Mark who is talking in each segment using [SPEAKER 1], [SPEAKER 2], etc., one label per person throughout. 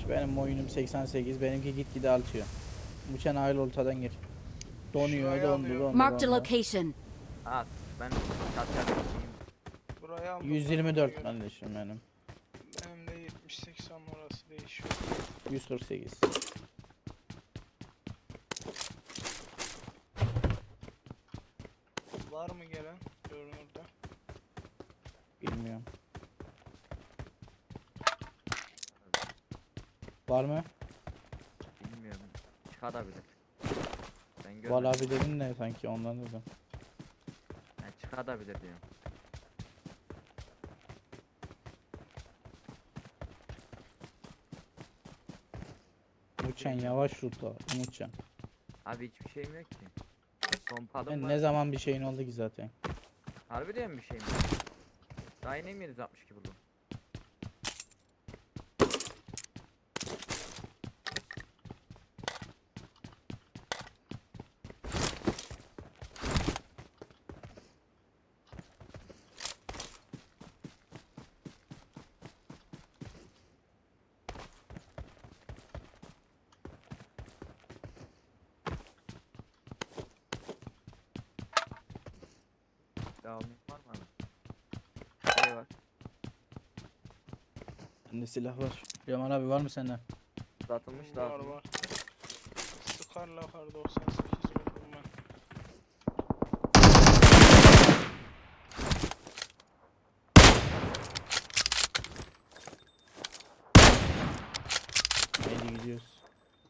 [SPEAKER 1] Benim oyunum 88. Benimki gitgide artıyor. Uçan aile ortadan gir. Donuyor,
[SPEAKER 2] Şurayı
[SPEAKER 1] dondu,
[SPEAKER 2] alıyorum.
[SPEAKER 1] dondu,
[SPEAKER 3] Marked a
[SPEAKER 1] dondu.
[SPEAKER 3] location.
[SPEAKER 4] Az. Ben çat
[SPEAKER 2] Burayı aldım.
[SPEAKER 1] 124 kardeşim benim.
[SPEAKER 2] Benim de 70-80 orası değişiyor.
[SPEAKER 1] 148.
[SPEAKER 2] Var mı gelen? Görünürde.
[SPEAKER 1] Bilmiyorum. Var mı?
[SPEAKER 4] bilmiyorum. Çıkabilir. Ben
[SPEAKER 1] Var
[SPEAKER 4] görmedim.
[SPEAKER 1] abi dedin de sanki ondan dedim.
[SPEAKER 4] Yani çıkabilir diyorum.
[SPEAKER 1] Uçan yavaş ruta. Uçan.
[SPEAKER 4] Abi hiçbir şeyim yok ki. Pompalım
[SPEAKER 1] Ben
[SPEAKER 4] var.
[SPEAKER 1] ne zaman bir şeyin oldu ki zaten.
[SPEAKER 4] Harbi diyorum bir şeyim yok. Daha yine mi 762 buldum? Devamı var mı abi? Şey var.
[SPEAKER 1] Bende silah var. Yaman abi var mı sende?
[SPEAKER 4] Uzatılmış
[SPEAKER 2] Var
[SPEAKER 4] lazım.
[SPEAKER 2] var. Scar'la kar 98 vurdum ben.
[SPEAKER 1] Hadi gidiyoruz.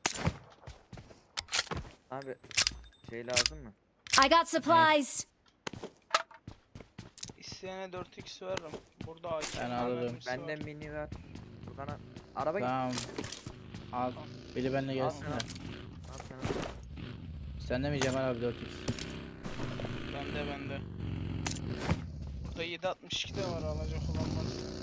[SPEAKER 4] Abi şey lazım mı?
[SPEAKER 3] I got supplies.
[SPEAKER 2] İsteyene 4x veririm. Burada AK
[SPEAKER 1] Ben alırım.
[SPEAKER 4] Bende mini var. Furkan'a araba
[SPEAKER 1] Tamam. Al. Biri benimle gelsin
[SPEAKER 4] sana.
[SPEAKER 1] de.
[SPEAKER 4] Al sana.
[SPEAKER 1] Sende mi Cemal abi 4x?
[SPEAKER 2] Bende. Burada 7.62 de var alacak olan var.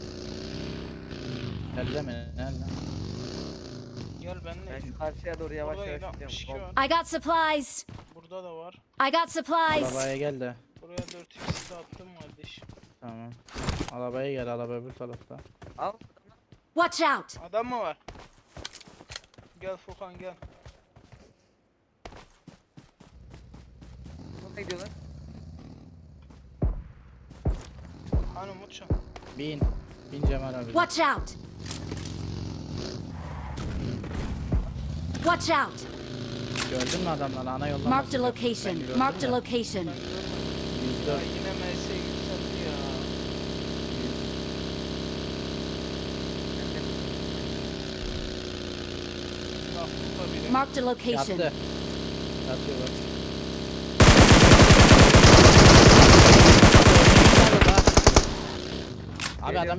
[SPEAKER 1] Nerede mi? Nerede?
[SPEAKER 2] Gel benimle.
[SPEAKER 4] Ben şu karşıya doğru yavaş
[SPEAKER 2] Burada
[SPEAKER 4] yavaş
[SPEAKER 2] 7.62
[SPEAKER 4] gidiyorum.
[SPEAKER 2] var.
[SPEAKER 3] I got supplies.
[SPEAKER 2] Burada da var.
[SPEAKER 3] I got supplies.
[SPEAKER 1] Arabaya gel de.
[SPEAKER 2] Buraya 4x de attım kardeş.
[SPEAKER 1] Tamam. Arabaya gel. Araba öbür tarafta.
[SPEAKER 4] Al.
[SPEAKER 3] Watch out.
[SPEAKER 2] Adam mı var? Gel Furkan gel.
[SPEAKER 4] Nereye gidiyorlar?
[SPEAKER 2] Hani Mutcan?
[SPEAKER 1] Bin. Bin Cemal abi.
[SPEAKER 3] Watch out. Watch out.
[SPEAKER 1] Gördün mü adamları? Ana yoldan
[SPEAKER 3] Marked a
[SPEAKER 1] basacak. Ben
[SPEAKER 3] location.
[SPEAKER 1] gördüm
[SPEAKER 3] Marked a
[SPEAKER 1] de.
[SPEAKER 3] location.
[SPEAKER 2] Ben görmedim.
[SPEAKER 1] 104.
[SPEAKER 2] Ya yine MS yükseldi ya. Bak burada biri.
[SPEAKER 3] Marked a location.
[SPEAKER 1] Yattı. Yatıyor bak. Abi adam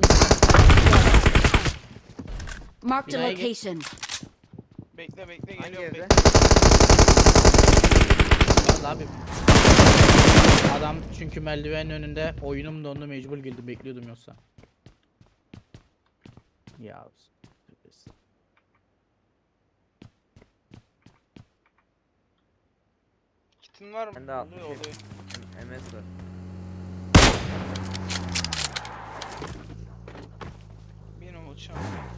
[SPEAKER 3] Marked a
[SPEAKER 1] Binaya git.
[SPEAKER 3] location.
[SPEAKER 2] Bekle
[SPEAKER 4] Hangi
[SPEAKER 2] geliyorum
[SPEAKER 4] evde?
[SPEAKER 2] bekle.
[SPEAKER 1] Vallahi abi. Adam çünkü merdivenin önünde oyunum dondu mecbur girdim bekliyordum yoksa. Ya.
[SPEAKER 2] Kitin var mı?
[SPEAKER 4] Bende 60
[SPEAKER 2] Oluyor oluyor.
[SPEAKER 4] MS var.
[SPEAKER 2] Benim uçağım.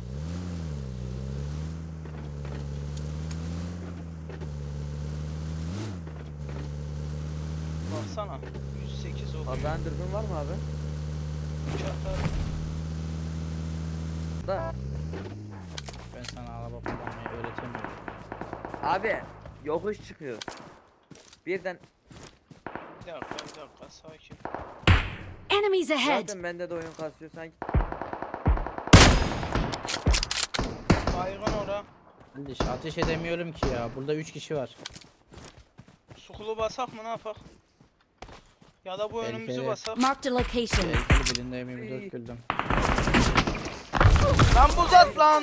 [SPEAKER 2] Baksana. 108 oluyor.
[SPEAKER 4] Pazarın dürbün var mı abi?
[SPEAKER 2] Uçaklar.
[SPEAKER 4] Da.
[SPEAKER 1] Ben sana araba kullanmayı öğretemiyorum.
[SPEAKER 4] Abi yokuş çıkıyoruz. Birden
[SPEAKER 2] Bir dakika sakin.
[SPEAKER 3] Enemies ahead.
[SPEAKER 4] zaten bende de oyun kasıyor sanki.
[SPEAKER 2] Baygın ora.
[SPEAKER 1] Kardeş ateş edemiyorum ki ya. Burada 3 kişi var.
[SPEAKER 2] Sukulu basak mı ne yapak? Ya da bu önümüzü
[SPEAKER 1] Tehlikeli.
[SPEAKER 2] basak.
[SPEAKER 3] Marked a location.
[SPEAKER 1] Tehlikeli birinde M24 güldüm.
[SPEAKER 2] Lan bu zat lan.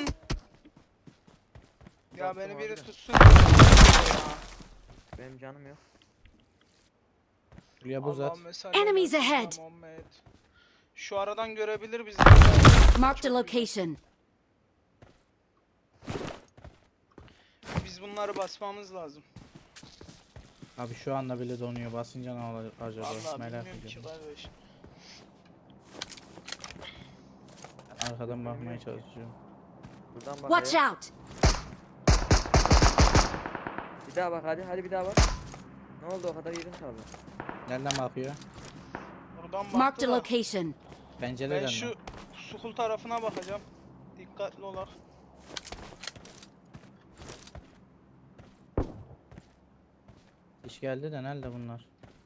[SPEAKER 2] Ya
[SPEAKER 4] Uzattım
[SPEAKER 2] beni
[SPEAKER 4] abi
[SPEAKER 2] biri
[SPEAKER 4] de.
[SPEAKER 2] tutsun. Ya.
[SPEAKER 4] Benim canım yok.
[SPEAKER 1] Buraya buz at.
[SPEAKER 2] Allah'ım mesaj
[SPEAKER 3] Enemies
[SPEAKER 2] versin ya
[SPEAKER 3] ahead.
[SPEAKER 2] Muhammed. Şu aradan görebilir bizi.
[SPEAKER 3] Marked a location.
[SPEAKER 2] Biz bunları basmamız lazım.
[SPEAKER 1] Abi şu anda bile donuyor. Basınca ne olur acaba?
[SPEAKER 2] Vallahi
[SPEAKER 1] Merak
[SPEAKER 2] bilmiyorum ki
[SPEAKER 1] ediyorum.
[SPEAKER 2] kardeş.
[SPEAKER 1] Arkadan bakmaya çalışıyorum.
[SPEAKER 4] Buradan
[SPEAKER 3] Watch
[SPEAKER 4] bakıyor.
[SPEAKER 3] out!
[SPEAKER 4] Bir daha bak hadi. Hadi bir daha bak. Ne oldu o kadar yedin tabi.
[SPEAKER 1] Nereden bakıyor?
[SPEAKER 2] Buradan
[SPEAKER 3] Marked
[SPEAKER 2] baktı
[SPEAKER 3] a
[SPEAKER 2] da.
[SPEAKER 3] location.
[SPEAKER 1] Pencereden
[SPEAKER 2] Ben
[SPEAKER 1] mi?
[SPEAKER 2] şu sukul tarafına bakacağım. Dikkatli olak.
[SPEAKER 1] İş geldi de nerede bunlar?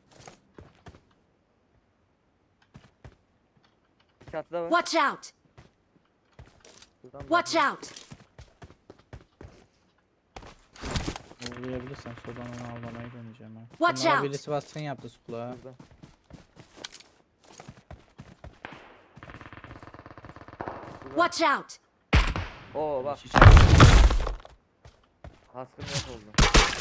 [SPEAKER 4] Çatıda var.
[SPEAKER 3] Watch out!
[SPEAKER 4] Buradan
[SPEAKER 3] Watch
[SPEAKER 4] bakıyor.
[SPEAKER 3] out!
[SPEAKER 1] Uğrayabilirsem soldan onu avlamayı deneyeceğim ha.
[SPEAKER 3] Watch
[SPEAKER 1] Bunlara
[SPEAKER 3] out.
[SPEAKER 1] birisi baskın yaptı sukula.
[SPEAKER 4] Burada.
[SPEAKER 3] Watch out!
[SPEAKER 4] Oo bak.
[SPEAKER 1] Hiç-
[SPEAKER 4] Haskın yok oldu.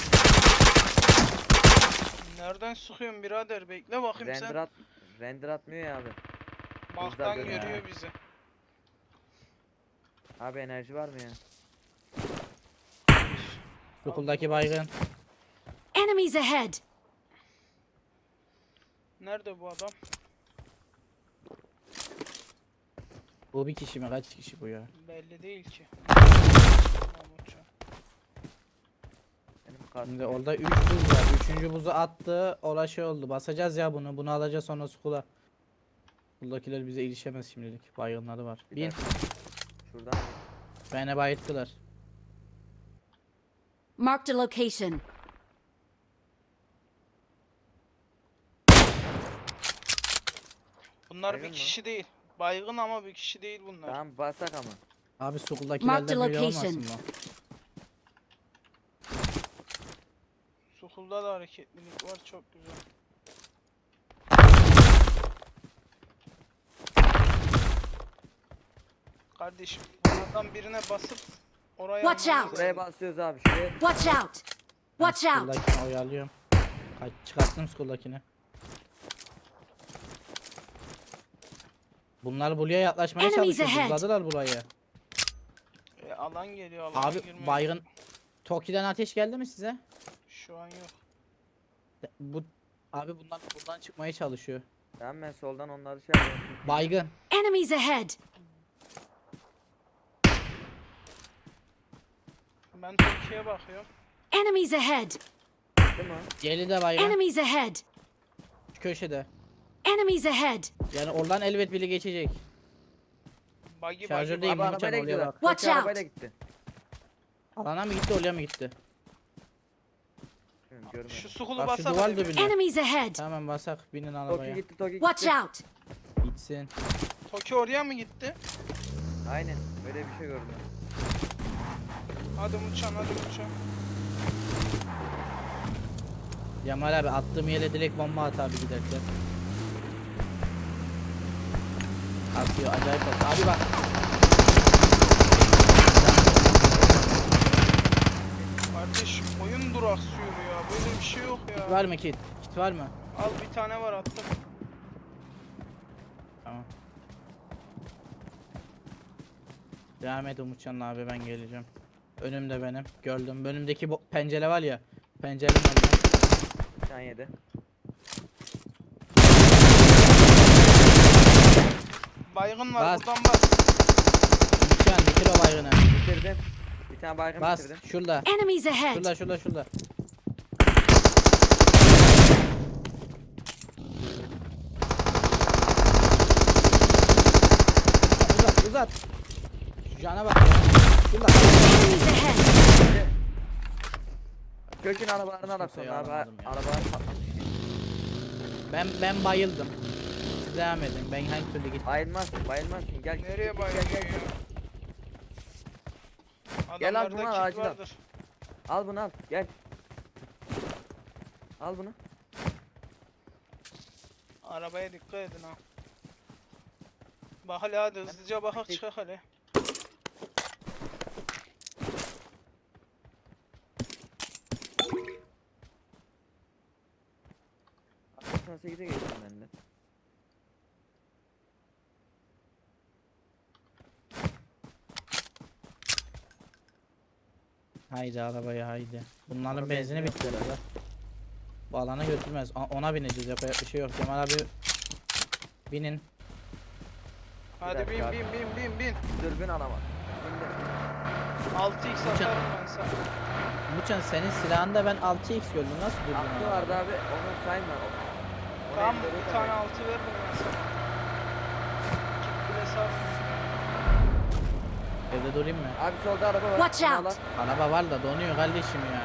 [SPEAKER 2] Nereden sıkıyorsun birader? Bekle bakayım
[SPEAKER 4] Render
[SPEAKER 2] sen.
[SPEAKER 4] at. Render atmıyor ya abi.
[SPEAKER 2] Baktan
[SPEAKER 4] görüyor.
[SPEAKER 2] görüyor bizi.
[SPEAKER 4] Abi enerji var mı ya?
[SPEAKER 1] Sukuldaki baygın.
[SPEAKER 3] Enemies ahead!
[SPEAKER 2] Nerede bu adam?
[SPEAKER 1] Bu bir kişi mi? Kaç kişi bu ya?
[SPEAKER 2] Belli değil ki. Mahmutcan.
[SPEAKER 4] Benim kaskım.
[SPEAKER 1] Şimdi orada 3 buz var. 3. buzu attı. Ola şey oldu. Basacağız ya bunu. Bunu alacağız sonra sukula. Buradakiler bize ilişemez şimdilik. Baygınları var.
[SPEAKER 4] Bir
[SPEAKER 1] Bin.
[SPEAKER 4] dakika. Şuradan
[SPEAKER 1] Beni bayılttılar.
[SPEAKER 3] Marked a location.
[SPEAKER 2] Bunlar
[SPEAKER 4] Baygın
[SPEAKER 2] bir
[SPEAKER 4] mı?
[SPEAKER 2] kişi değil. Baygın ama bir kişi değil bunlar.
[SPEAKER 4] tamam basak ama.
[SPEAKER 1] Abi
[SPEAKER 3] Mark the
[SPEAKER 1] sukuldakilerden biri
[SPEAKER 3] location.
[SPEAKER 1] olmasın mı?
[SPEAKER 2] Sukulda da hareketlilik var, çok güzel. Kardeşim, oradan birine basıp oraya
[SPEAKER 3] Watch
[SPEAKER 2] almamız
[SPEAKER 3] out.
[SPEAKER 4] Buraya
[SPEAKER 2] lazım.
[SPEAKER 4] basıyoruz abi. Şuraya.
[SPEAKER 3] Watch out!
[SPEAKER 1] Ben
[SPEAKER 3] Watch out!
[SPEAKER 1] Skull'dakini oyalıyorum. Çıkarttım skuldakini. Bunlar buraya yaklaşmaya
[SPEAKER 3] Enemies
[SPEAKER 1] çalışıyor.
[SPEAKER 3] ahead.
[SPEAKER 1] Buzladılar burayı.
[SPEAKER 2] Alan geliyor, alana
[SPEAKER 1] Abi
[SPEAKER 2] girmeye.
[SPEAKER 1] baygın. Toki'den ateş geldi mi size?
[SPEAKER 2] Şu an yok.
[SPEAKER 1] Bu abi bunlar buradan çıkmaya çalışıyor.
[SPEAKER 4] Tamam ben soldan onları şey yapıyorum.
[SPEAKER 1] Baygın.
[SPEAKER 3] Enemies ahead!
[SPEAKER 2] Ben Türkiye'ye bakıyorum.
[SPEAKER 3] Enemies ahead!
[SPEAKER 4] Değil mi?
[SPEAKER 1] Yeli de baygın.
[SPEAKER 3] Enemies ahead!
[SPEAKER 1] Şu köşede.
[SPEAKER 3] Enemies ahead!
[SPEAKER 1] Yani oradan elbet biri geçecek.
[SPEAKER 2] Buggy
[SPEAKER 1] Şarjördeyim.
[SPEAKER 4] Abi
[SPEAKER 1] Umutcan,
[SPEAKER 4] arabayla
[SPEAKER 1] oraya
[SPEAKER 4] gidiyorlar.
[SPEAKER 1] bak.
[SPEAKER 3] Watch
[SPEAKER 4] Toki
[SPEAKER 3] out.
[SPEAKER 4] arabayla gitti.
[SPEAKER 1] Alana mı gitti oraya mı gitti?
[SPEAKER 4] Bilmiyorum, görmedim.
[SPEAKER 2] Şu sukulu
[SPEAKER 1] Bak şu
[SPEAKER 2] basalım.
[SPEAKER 1] duvar
[SPEAKER 2] bir.
[SPEAKER 1] dibine.
[SPEAKER 3] Enemies ahead!
[SPEAKER 1] Tamam basak binin
[SPEAKER 4] Toki
[SPEAKER 1] arabaya.
[SPEAKER 4] gitti Toki
[SPEAKER 3] Watch
[SPEAKER 4] gitti.
[SPEAKER 3] out!
[SPEAKER 1] Gitsin.
[SPEAKER 2] Toki oraya mı gitti?
[SPEAKER 4] Aynen öyle bir şey gördüm.
[SPEAKER 2] Hadi Umutcan, hadi Umutcan.
[SPEAKER 1] Cemal abi attığım yere direkt bomba at abi giderken. Atıyor acayip atıyor. Abi bak.
[SPEAKER 2] Kardeş oyun duraksıyor ya. Böyle bir şey yok ya.
[SPEAKER 1] Var mı kit? Kit var mı?
[SPEAKER 2] Al bir tane var, attım.
[SPEAKER 1] Tamam. Devam et Umutcan abi, ben geleceğim. Önümde benim. Gördüm. Önümdeki bu pencere var ya. Pencerenin önünde.
[SPEAKER 4] Bir tane yedi.
[SPEAKER 2] Baygın var,
[SPEAKER 1] Bas.
[SPEAKER 2] buradan bas.
[SPEAKER 1] Umutcan bitir o baygını.
[SPEAKER 4] Bitirdim. Bir tane baygın
[SPEAKER 1] Bas.
[SPEAKER 4] bitirdim.
[SPEAKER 1] Şurada.
[SPEAKER 3] Enemies ahead!
[SPEAKER 1] Şurada. Uzat. Şu cana bak ya. Şurada.
[SPEAKER 3] Enemies ahead!
[SPEAKER 4] Kökün arabalarını alak
[SPEAKER 1] kimseyi
[SPEAKER 4] sonra abi.
[SPEAKER 1] alamadım ya.
[SPEAKER 4] Arabalar patlamış.
[SPEAKER 1] Ben bayıldım. Siz devam edin. Ben hangi türlü gittim.
[SPEAKER 4] Bayılmazsın bayılmazsın. Gel.
[SPEAKER 2] Nereye
[SPEAKER 4] gel,
[SPEAKER 2] bayılıyor
[SPEAKER 4] gel, gel.
[SPEAKER 2] ya?
[SPEAKER 4] Gel al
[SPEAKER 2] Adamlarda
[SPEAKER 4] bunu al,
[SPEAKER 2] kit
[SPEAKER 4] acil al.
[SPEAKER 2] vardır.
[SPEAKER 4] Al bunu al. Gel. Al bunu.
[SPEAKER 2] Arabaya dikkat edin ha. Bak hele, hadi hızlıca bakak çıkak hele.
[SPEAKER 4] Arkasına 8'e geçtim ben de.
[SPEAKER 1] Haydi arabaya haydi. Bunların
[SPEAKER 4] Araba
[SPEAKER 1] benzini
[SPEAKER 4] benzin
[SPEAKER 1] bitti herhalde. Bu alana götürmez. Ona bineceğiz, yapacak bir şey yok. Cemal abi binin.
[SPEAKER 2] Hadi bin
[SPEAKER 4] dakika.
[SPEAKER 2] bin bin bin bin.
[SPEAKER 4] Dürbün alamadım. Şimdi
[SPEAKER 2] 6x atarım ben sana.
[SPEAKER 1] Muçan senin silahında ben 6x gördüm. Nasıl buldun?
[SPEAKER 4] Aklı
[SPEAKER 1] onu?
[SPEAKER 4] vardı abi. Onu sayma. Onu
[SPEAKER 2] Tamam
[SPEAKER 4] elleri
[SPEAKER 2] bir
[SPEAKER 4] tabii.
[SPEAKER 2] tane 6 veririm ben sana. Git bile sar.
[SPEAKER 1] Evde durayım mı?
[SPEAKER 4] Abi solda araba var.
[SPEAKER 3] Watch
[SPEAKER 4] Bunu
[SPEAKER 3] out.
[SPEAKER 4] alan.
[SPEAKER 1] Araba var da donuyor kardeşim ya.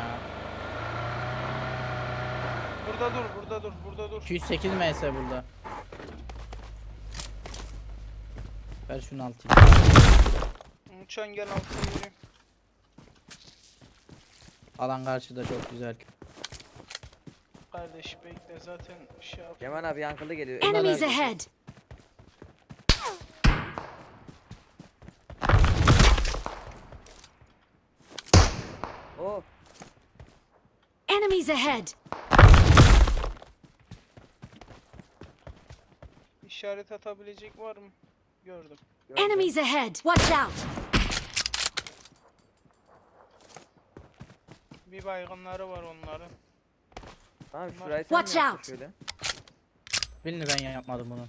[SPEAKER 2] Burada dur, burada dur, burada dur.
[SPEAKER 1] 208 ms burada. Ver şunu 6x.
[SPEAKER 2] Uçan gel 6'yı vereyim.
[SPEAKER 1] Alan karşıda çok güzel.
[SPEAKER 2] Kardeş bekle zaten şey yap.
[SPEAKER 4] Cemal abi yankılı geliyor.
[SPEAKER 3] Enemies
[SPEAKER 1] Bunlar-
[SPEAKER 3] ahead!
[SPEAKER 4] Oh.
[SPEAKER 3] Enemies ahead!
[SPEAKER 2] İşaret atabilecek var mı? Gördüm.
[SPEAKER 4] Gördüm.
[SPEAKER 3] Enemies ahead! Watch out!
[SPEAKER 2] Bir baygınları var onların.
[SPEAKER 4] Abi şurayı sen mi
[SPEAKER 3] Watch
[SPEAKER 4] yaptın
[SPEAKER 3] out.
[SPEAKER 4] şöyle?
[SPEAKER 1] Bilmiyorum ben yapmadım bunu.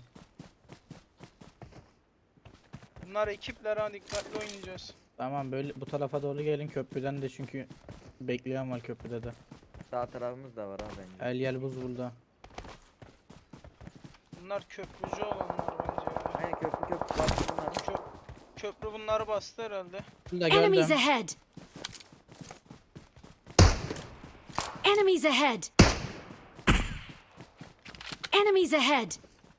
[SPEAKER 2] Bunlar ekipler ha dikkatli oynayacağız.
[SPEAKER 1] Tamam böyle bu tarafa doğru gelin köprüden de çünkü bekleyen var köprüde de.
[SPEAKER 4] Sağ tarafımız da var abi bence.
[SPEAKER 1] El yel buz burada.
[SPEAKER 2] Bunlar köprücü olanlar bence ya.
[SPEAKER 4] Aynen köprü bastı bunlar.
[SPEAKER 2] Köprü bunları bastı herhalde.
[SPEAKER 1] Burada
[SPEAKER 3] Enemies
[SPEAKER 1] gördüm.
[SPEAKER 3] ahead! Enemies ahead! Enemies ahead!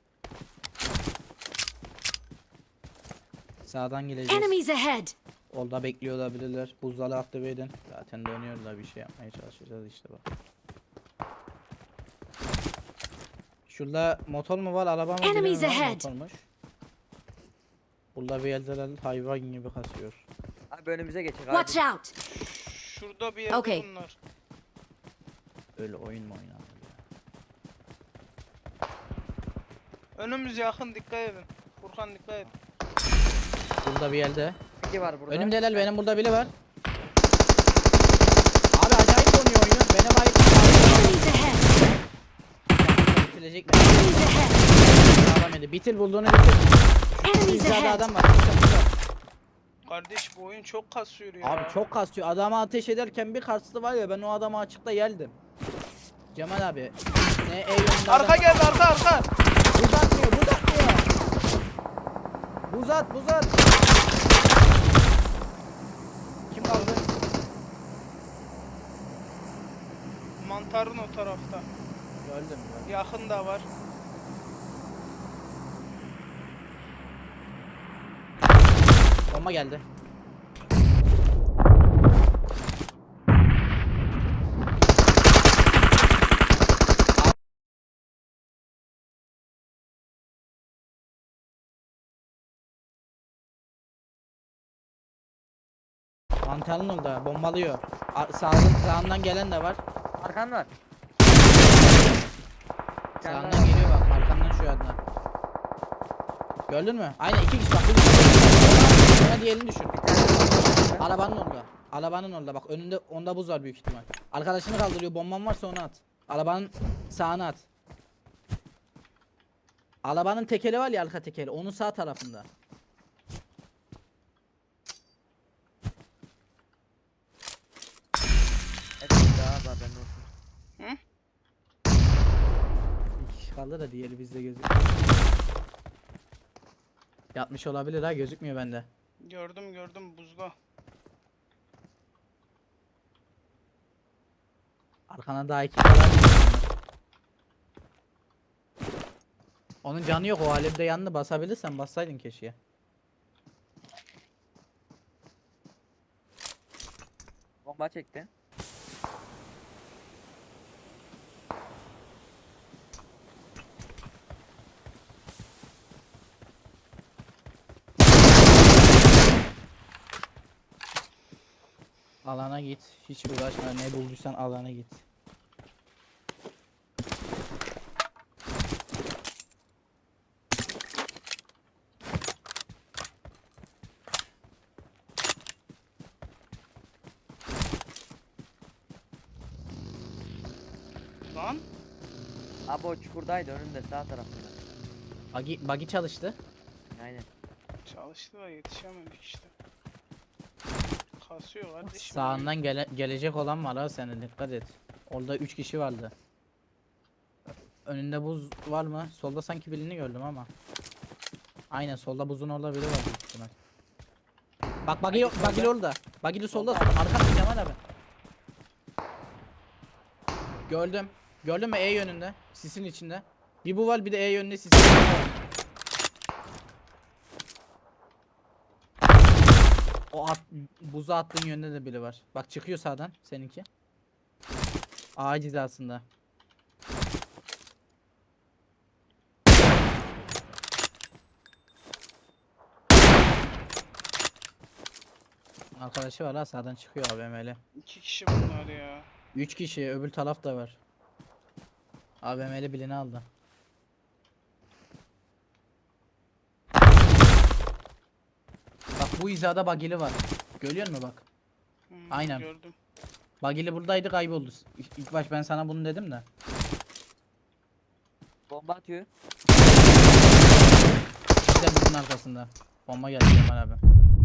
[SPEAKER 1] Sağdan geleceğiz.
[SPEAKER 3] Enemies ahead!
[SPEAKER 1] Orada bekliyor olabilirler. Buzdalı aktive edin. Zaten dönüyorlar bir şey yapmaya çalışacağız işte bak. Şurada motor mu var araba mı
[SPEAKER 3] Enemies
[SPEAKER 1] bilmiyorum ama
[SPEAKER 3] ahead.
[SPEAKER 1] motormuş. Burada bir eldeler hayvan gibi kasıyor.
[SPEAKER 4] Abi önümüze geçecek
[SPEAKER 3] Watch
[SPEAKER 4] abi.
[SPEAKER 3] out!
[SPEAKER 2] Şurada bir yerde
[SPEAKER 3] Okay.
[SPEAKER 2] bunlar.
[SPEAKER 1] Öyle oyun mu oynanır ya?
[SPEAKER 2] Önümüz yakın dikkat edin. Furkan dikkat et.
[SPEAKER 1] Burada bir yerde.
[SPEAKER 4] İki var burada.
[SPEAKER 1] Önümdeler benim burada biri var. Abi acayip donuyor oyun. Beni bayık
[SPEAKER 3] Enemies ahead!
[SPEAKER 1] bitirecek mi?
[SPEAKER 3] Enemies ahead!
[SPEAKER 1] Sağlam yedi. Bitir bulduğunu bitir.
[SPEAKER 3] Enemies
[SPEAKER 1] Hizada
[SPEAKER 3] ahead!
[SPEAKER 1] adam var. Burada.
[SPEAKER 2] Kardeş bu oyun çok kasıyor ya.
[SPEAKER 1] Abi çok kasıyor. Adama ateş ederken bir kastı var ya ben o adamı açıkta geldim. Cemal abi. Ne yönünde
[SPEAKER 2] Arka
[SPEAKER 1] adam-
[SPEAKER 2] geldi arka.
[SPEAKER 1] Buz atmıyor, buz atmıyor. Buz at, buz at. Kim kaldı?
[SPEAKER 2] Mantarın o tarafta.
[SPEAKER 1] Gördüm.
[SPEAKER 2] Yakın da var.
[SPEAKER 1] Bomba geldi. Mantarın orada bombalıyor. Sağından gelen de var.
[SPEAKER 4] Arkan var.
[SPEAKER 1] Sağından geliyor bak arkandan şu yandan. Gördün mü? Aynen iki kişi bak. Sonra diğerini düşün. Arabanın orada. Arabanın orada bak önünde onda buz var büyük ihtimal. Arkadaşını kaldırıyor bomban varsa onu at. Arabanın sağına at. Arabanın tekeri var ya arka tekeri onun sağ tarafında.
[SPEAKER 4] Evet daha var bende olsun.
[SPEAKER 1] Bir kişi kaldı da diğeri bizde gözük. Yatmış olabilir ha gözükmüyor bende.
[SPEAKER 2] Gördüm buzda.
[SPEAKER 1] Arkana daha iki kadar. Onun canı yok o alemde yanını basabilirsen bassaydın keşke.
[SPEAKER 4] Bomba çekti.
[SPEAKER 1] Alana git. Hiç uğraşma ne bulduysan alana git.
[SPEAKER 2] Lan.
[SPEAKER 4] Abi o çukurdaydı önünde sağ tarafında.
[SPEAKER 1] Buggy çalıştı.
[SPEAKER 4] Aynen.
[SPEAKER 2] Çalıştı da yetişemedik işte. Kasıyor kardeşim.
[SPEAKER 1] Sağından gelecek olan var ha, senin dikkat et. Orada 3 kişi vardı. Önünde buz var mı? Solda sanki birini gördüm ama. Aynen solda buzun orada biri var büyük ihtimal. Bak bagili orada. Bagili solda. Arkada Kemal abi. Gördüm. Gördün mü E yönünde? Sisin içinde. Bir bu var, bir de E yönünde sisin içinde var. Buza attığın yönde de biri var. Bak çıkıyor sağdan seninki. Ağaç hizasında. Arkadaşı var ha, sağdan çıkıyor AVM'li.
[SPEAKER 2] 2 kişi bunlar ya.
[SPEAKER 1] 3 kişi, öbür taraf da var. AVM'li birini aldı. Bak bu hizada bagili var. Görüyor musun bak? Aynen.
[SPEAKER 2] Gördüm.
[SPEAKER 1] Bagili buradaydı, kayboldu. İlk baş ben sana bunu dedim de.
[SPEAKER 4] Bomba atıyor.
[SPEAKER 1] İşte buzun arkasında. Bomba geldi Kemal abi.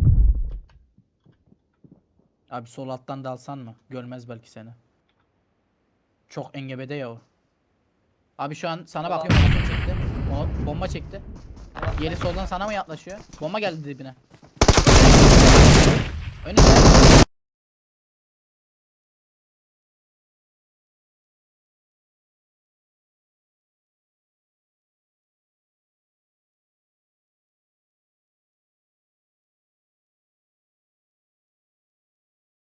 [SPEAKER 1] Abi sol alttan dalsan mı? Görmez belki seni. Çok engebede ya o. Abi şu an sana bakıyorum, bomba çekti. O bomba çekti. Yeri soldan sana mı yaklaşıyor? Bomba geldi dibine.